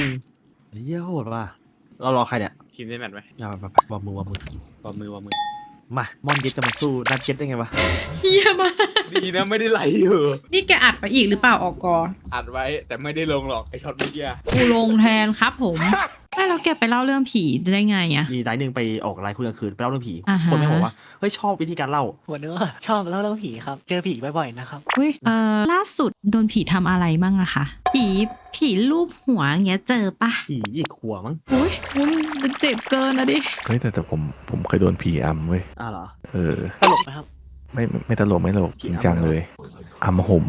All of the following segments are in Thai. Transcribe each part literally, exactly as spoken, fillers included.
เฮียโหดว่ะเรารอใครเนี่ยคิมได้แมทไหมอย่าไปไปวางมือวางมือวางมือวางมือมามอนเก็ตจะมาสู้ดันเก็ตได้ไงวะเฮียมากดีนะไม่ได้ไหลอยู่นี่แกอัดไปอีกหรือเปล่าออกกออัดไว้แต่ไม่ได้ลงหรอกไอช็อตเมื่อกี้กูลงแทนครับผมไม่แล้วแกไปเล่าเรื่องผีได้ไงอะมีไดหนึ่งไปออกไลฟ์คุยกลางคืนไปเล่าเรื่องผีอ่าฮะคนไม่บอกว่าเฮ้ยชอบวิธีการเล่าหัวเนื้อชอบเล่าเรื่องผีครับ เจอผีบ่อยๆนะครับอุ้ยเอ่อล่าสุดโดนผีทำอะไรมั่งอะคะผีผีรูปหัวอย่างเงี้ยเจอปะผีหยิกหัวมั้งอุ้ยมันเจ็บเกินนะดิเฮ้ยแต่แต่ผมผมเคยโดนผีอำเว้ยอ้าวเหรอเออตลกไหมครับไม่ไม่ไม่ตลกไม่ตลกผีจริงอำจังเลยอำห่ม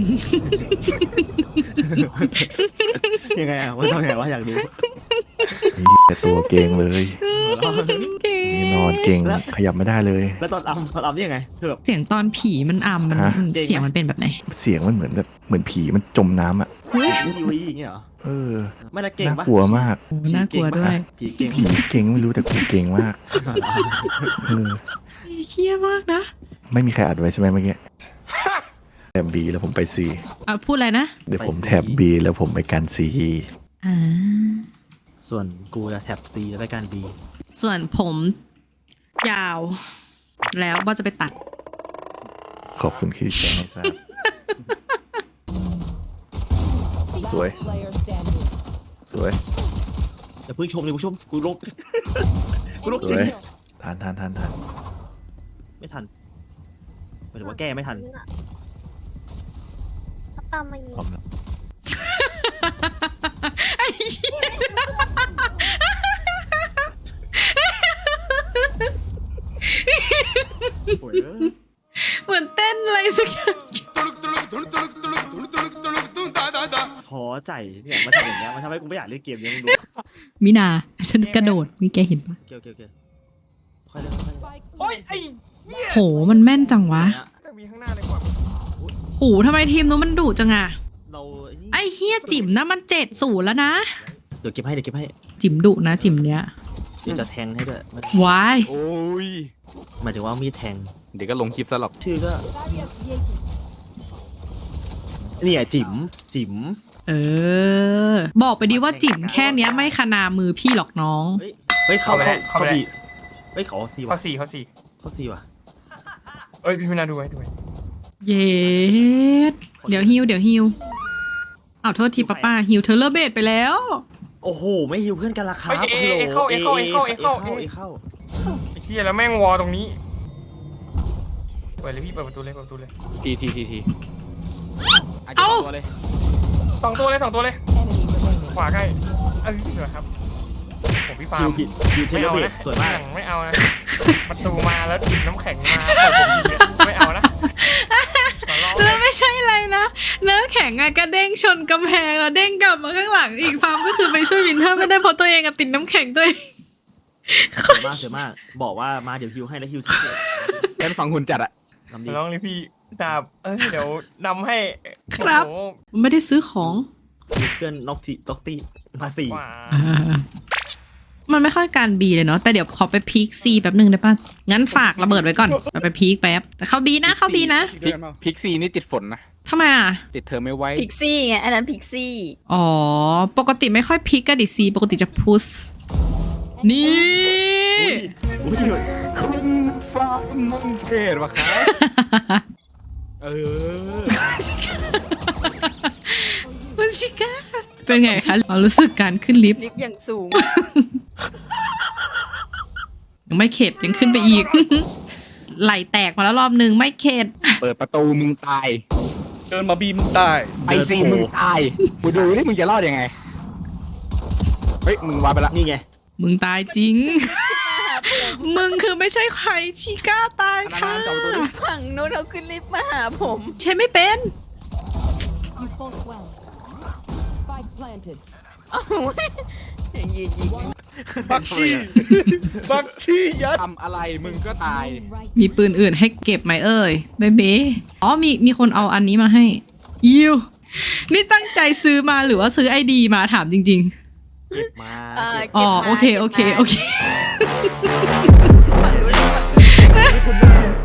ยังไงอ่ะว่าต้องไงวะอยากดูนี่แต่ตัวเก่งเลยเก่งนี่นอนเก่งขยับไม่ได้เลยแล้วตอนอัมตอนอัมนี่ยังไงคือแบบเสียงตอนผีมันอ่ำมันฮะมันเก่งไหมเสียงมันเป็นแบบไหนเสียงมันเหมือนแบบเหมือนผีมันจมน้ำอ่ะวิวอย่างเงี้ยเหรอเออไม่ละเก่งน่าปะกลัวมากโอ้น่ากลัวด้วยผีเก่งผีเก่งไม่รู้แต่กูเก่งมากเออเชี่ยมากนะไม่มีใครอัดไว้ใช่ไหมเมื่อกี้แถบบีแล้วผมไปซีอ่ะพูดอะไรนะเดี๋ยวผมแถบบีแล้วผมไปกันซีอ่าส่วนกูจะแท็บซีแล้วไปการบีส่วนผมยาว แล้วว่าจะไปตัดขอบคุณที่แจ้งให้ทราบสวย สวยอย่าเพิ่งชมเลยผู้ชมกูลก กูลกสจริวงยทานทานทานทานไม่ทันหมายถึงว่าแก้ไม่ทันเขาตามมายิงพร้อมแล้วโอ้ยเหมือนเต้นอะไรสักอย่างท้อใจเนี่ยมันทำอย่างเงี้ยมันทำให้กูไม่อยากเล่นเกมนี้มึงดูมินา ฉันกระโดดมีแกเห็นปะเกี่ยวเกี่ยวเกี่ยวค่อยเล่นค่อยเล่นโอ้ยไอโหมันแม่นจังวะเนี่ยจะมีข้างหน้าเลยกว่าโหทำไมทีมนู้นมันดุจังอะเราไอ้นี่ไอ้เฮียจิ๋มนะมันเจ็ดศูนย์แล้วนะเดี๋ยวเก็บให้เดี๋ยวเก็บให้จิ๋มดุนะจิ๋มเนี้ยเดี๋ยวจะแทงให้ด้วยมันวายโอ้ยหมายถึงว่ามีดแทงเดี๋ยวก็ลงคลิปซะหรอกชื่อก็นี่อ่ะจิ๋มจิ๋มเออ บอกไปดีว่าจิ๋มแค่เนี้ยไม่ขนามือพี่หรอกน้องเฮ้ยเฮ้ยเขาเขาเขาบีเฮ้ยเขาซีข้อว่ะสี่ข้อสี่เขาซีว่ะเอ้ยพี่มินาดูไว้ดูไว้เย็ดเดี๋ยวฮิวเดี๋ยวฮิวเอาโทษทีป้าป้าฮิวเธอเลอร์เบดไปแล้วโอ้โหไม่ฮิวเพื่อนกันละครับเอ้ยเอเอเข้าเอเข้าเอเข้าเอเข้าเอเข้าไอ้เชี่ยแล้วแม่งวอตรงนี้เปิดเลยพี่เปิดประตูเลยเปิดประตูเลยทีทีทีทีเอ้าเลยสองตัวเลยสองตัวเลยขวาใกล้เอ้ยพี่สวยครับผมพี่ฟาฮิร์วมผิดฮิวเทไม่เลเอาเบนะสสวยมากหลังไม่เอานะประตูมาแล้วจิบน้ำแข็งมาปล่อยผมยิงเนี่ยไม่เอานะขอร้องแล้วไม่ใช่อะไรนะเนื้อแข็งอะกระเด้งชนกำแพงแล้วเด้งกลับมาข้างหลังอีกฟาร์มก็คือไปช่วยวินเทอร์ไม่ได้เพราะตัวเองอะติดน้ำแข็งตัวเองสวยมากสวยมาก บอกว่ามาเดี๋ยวฮิวให้แล้วฮิวแค่ฟังหุ่นจัดอะลำดีขอร้องเลยพี่ดาบเอ้ยเดี๋ยวนำให้ครับโอ้โหไม่ได้ซื้อของเพื่อนน็อกทีน็อกตี้มาสี่กว่ามันไม่ค่อยการบีเลยเนาะแต่เดี๋ยวขอไปพีคซีแป๊บหนึ่งได้ป่ะงั้นฝากระเบิดไว้ก่อนไปไปพีคแป๊บแต่เข้าบีนะเข้าบีนะพิกซีนี่ติดฝนนะทำไมอ่ะติดเธอไม่ไว้พิกซี่ไง อันนั้นพิกซี่อ๋อปกติไม่ค่อยพีคกันดิซีปกติจะพุชนี่อุ้ยอุ้ยคุณฟ้ามุนเทศวะครับเออมันชิก้าเป็นไงคะเรารู้สึกการขึ้นลิฟต์ลิฟต์อย่างสูงยังไม่เข็ดยังขึ้นไปอีก ไหลแตกมาแล้วรอบนึงไม่เข็ดเปิดประตูมึงตายเดินมาบีมตายไอซีมึงตายกูดูนี่มึงจะรอดยังไงเฮ้ยมึงวาไปละนี่ไงมึงตายจริง มึงคือไม่ใช่ใครชิก้าตายค่ะนานๆจับประตูดิฝั่งนู้นเขาขึ้นลิฟต์มาหาผมใช่ไม่เป็น You fought well. Spike planted. เอาไว้อย่างยืนยิงบักกี้บักกี้ยัดทำอะไรมึงก็ตาย Right. มีปืนอื่นให้เก็บไหมเอ่ยเบเบ้อ๋อมีมีคนเอาอันนี้มาให้ยิวนี่ตั้งใจซื้อมาหรือว่าซื้อไอดีมาถามจริงเก็บมาเอ่อเก็บๆ อ๋อโอเคโอเคโอเคฝั่งนู้น